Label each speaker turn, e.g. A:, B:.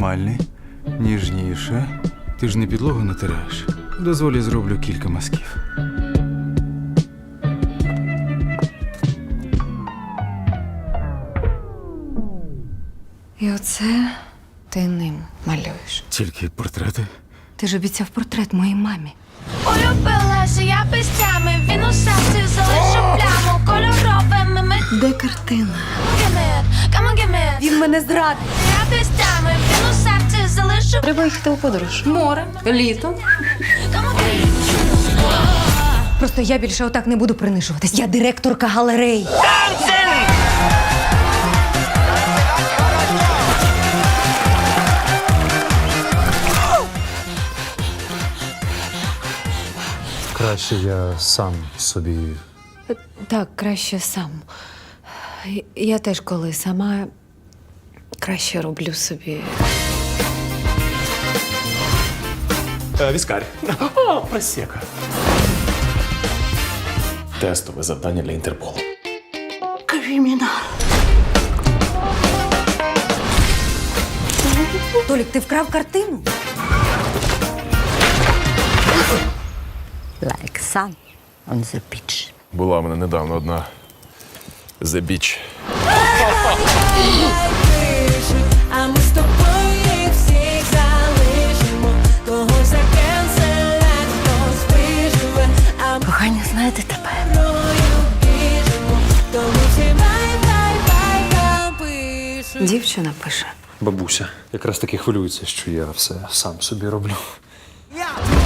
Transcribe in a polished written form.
A: нормальний, ніжніше. Ти ж не підлогу натираєш. Дозволі зроблю кілька мазків.
B: І оце ти ним малюєш.
A: Тільки портрети.
B: Ти ж обіцяв портрет моїй мамі.
C: Улюбилася я пестями, він у серці залишив пляму кольоровими ми.
B: Де картина?
C: Come on, give me.
B: Він мене зрадив.
C: Я пестями, він у серці залишив.
B: Треба їхати у подорож. Море, літо.
C: Come on, give me.
B: Просто я більше отак не буду принижуватись. Я директорка галереї.
D: Краще я сам собі.
B: Так, краще сам. Я теж коли сама краще роблю собі.
E: Віскарь. О, просека. Тестове завдання для Інтерполу.
B: Толік, ти вкрав картину?
F: Like sun on the beach.
E: Була в мене недавно одна The Beach.
G: А ми з тобою їх всіх залишимо. Когось закенселять, хтось виживе. А ми
F: Кохання, знаєте тепер.
G: мною біжимо. Тому всі бай-бай-бай пишуть.
B: Дівчина пише.
D: Бабуся якраз таки хвилюється, що я все сам собі роблю.
G: Я